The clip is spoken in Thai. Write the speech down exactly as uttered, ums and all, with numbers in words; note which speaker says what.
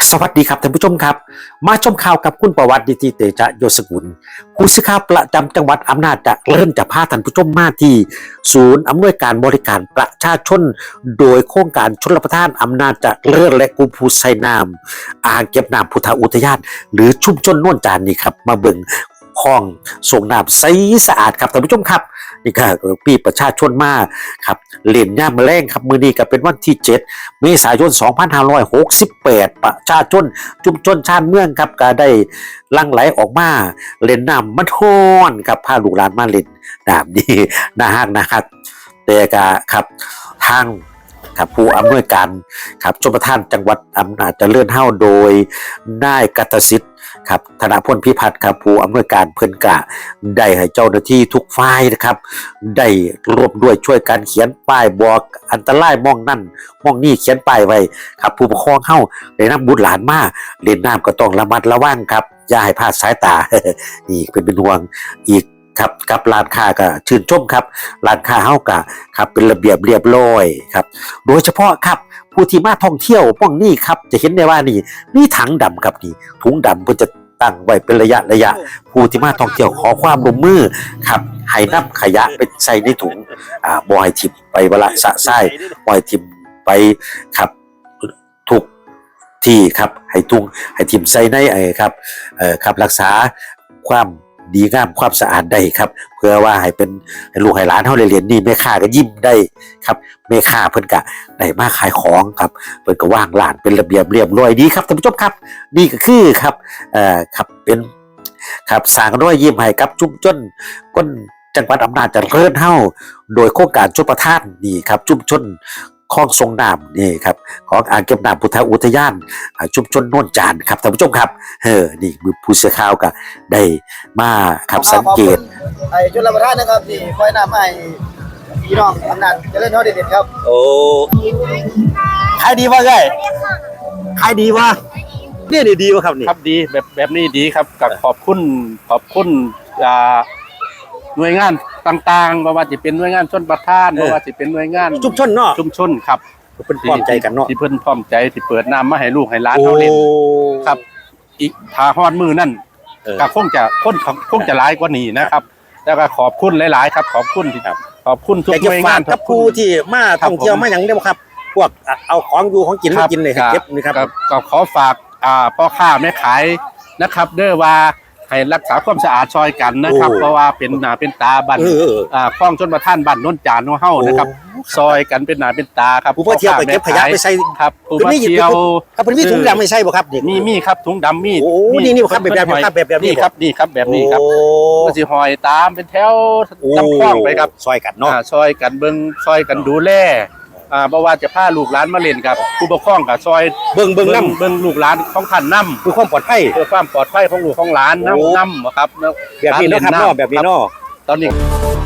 Speaker 1: สวัสดีครับท่านผู้ชมครับมาชมข่าวกับคุณประวัติดิติเตชะโยสกุลผู้สื่อข่าวประจำจังหวัดอำนาจเจริญจะพาท่านผู้ชมมาที่ศูนย์อำนวยการบริการประชาชนโดยโครงการชลประทานอำนาจเจริญและกลุ่มผู้ใช้น้ำอ่างเก็บน้ำพุทธอุทยานหรือชุมชนโน่นจานนี่ครับมาเบิ่งคลองส่งน้ำใสสะอาดครับท่านผู้ชมครับนี่ก็ปีประชาชนมาครับเล่นย่ามแมลงครับมื้อนี้ก็เป็นวันที่เจ็ดเมษายนสองพันห้าร้อยหกสิบแปดประชาชนชุมชนชาติเมืองครับก็ได้ลังไหลออกมาเล่นน้ำมันฮ้อนครับพาลูกหลานมาเล่นน้ำนี่น่าฮักนะครับแต่ก็ครับทางครับผู้อำนวยการครับชลประทานจังหวัดอำนาจเจริญเฮาโดยนายกัตสิทธิ์ครับธนพลพิพัฒน์ครับผู้อำนวยการเพิ่นกะได้ให้เจ้าหน้าที่ทุกฝ่ายนะครับได้ร่วมด้วยช่วยกันเขียนป้ายบอกอันตรายมองนั่นมองนี่เขียนป้ายไว้ครับผู้ปกครองเฮาได้นำบุตรหลานมาเล่นน้ำก็ต้องระมัดระวังครับอย่าให้พลาดสายตา นี่เป็นเป็นห่วงอีกครับกับร้านค้าก็ชื่นชมครับร้านค้าเฮาก็ครับเป็นระเบียบเรียบร้อยครับโดยเฉพาะครับผู้ที่มาท่องเที่ยวป้องนี่ครับจะเห็นได้ว่านี่นี่ถังดำครับนี่ถุงดำเพิ่นจะตั้งไว้เป็นระยะระยะผู้ที่มาท่องเที่ยวขอความร่วมมือครับให้นำขยะไปใส่ในถุงอ่าบ่ให้ทิ่มไปเวลาสะไส้บ่ให้ทิ่มไปครับทุกที่ครับให้ถุงให้ทิ่มใส่ในไอ้ครับเอ่อครับรักษาความดีงามความสะอาดได้ครับเพื่อว่าให้เป็นให้ลูกให้หลานเฮาได้เรียนนี่แม่ค้าก็ยิ้มได้ครับแม่ค้าเพิ่นก็ได้มาขายของครับเพิ่นก็วางร้านเป็นระเบียบเรียบร้อยดีครับท่านผู้ชมครับนี่ก็คือครับเอ่อครับเป็นครับสร้างรอยยิ้มให้กับชุมชนคนจังหวัดอำนาจเจริญเฮาโดยโครงการชลประทานนี่ครับชุมชนคลองส่งน้ำนี่ครับของอ่างเก็บน้ำพุทธอุทยานชุมชนโน่นจานครับท่านผู้ชมครับเออนี่มือผู้สื่อข่าวก็ได้มาครับสังเกต
Speaker 2: ไอ้ชลประทานนะครับที่ปล่อยน้ำให้พี่น้องอำนาจเจริญเฮาเด็ดๆครับ
Speaker 1: โอ้ขายดีวะไงขายดีวะเนี่ยนี่ดีวะครับนี่
Speaker 3: ครับดีแบบแบบนี้ดีครับกับขอบคุณขอบคุณอ่าหน่วยงานต่างๆไม่ว่าจะเป็นหน่วยงานชลประทานไม่ว่าจะเป็นหน่วยงาน
Speaker 1: ชุมชนเนาะ
Speaker 3: ชุมชนครับ
Speaker 1: เพิ่นพร้อมใจกันเนาะ
Speaker 3: ที่เพิ่นพร้อมใจที่เปิดน้ำมาให้ลูกให้หลานเขาเล่นครับอีกทาฮอดมือนั่นก็คงจะคนคงจะหลายกว่านี้นะครับแล้วก็ขอบคุณหลายๆครับขอบคุณที่ขอบคุณทุกหน่วยงาน
Speaker 1: กับผู้ที่มาท่องเที่ยวมาอย่างเดียวครับพวกเอาของอยู่ของกินมากินเลยเก็บนี่ครับ
Speaker 3: ก็ขอฝากอ่าพ่อค้าแม่ขายนะครับเด้อว่าให้รักษาความสะอาดซอยกันนะครับเพราะว่าเป็นหน้าเป็นตาบ้านอ่าคลองชลประทานบ้านโน่นจานของเฮานะครับซอยกันเป็นหน้าเป็นตาครับ
Speaker 1: ผู้มาเที่ยวไปเก็บขยะไปใส่
Speaker 3: ครับผู้มาเที่ยว
Speaker 1: ครับเพิ่นมีถุงดำไม่ใช่บ่ครับเด็ก
Speaker 3: มีมีครับถุงดำมี
Speaker 1: โอ้นี่นี่ครับแบบแบบครับแบบแบบ
Speaker 3: นี้ครับนี่ครับแบบนี้ครับก็สิหอยตามเป็นแถวลำคลองไปครับ
Speaker 1: ซอยกันเนาะ
Speaker 3: ซอยกันเบิ่งซอยกันดูแลอ่าบ่ว่าจะพาลูกหลานมาเล่นกับผู้ปกครองกับซอย
Speaker 1: เบิ่งเบิ่งนำ
Speaker 3: เบิ่งลูกหลานของท่านนำ
Speaker 1: เพื่อความปลอดภัย
Speaker 3: เพื่อความปลอดภัยของลูกของหลานนำนำครับ
Speaker 1: แบบนี้เนาะครับเนาะแบบนี้เนาะ
Speaker 3: ตอนนี้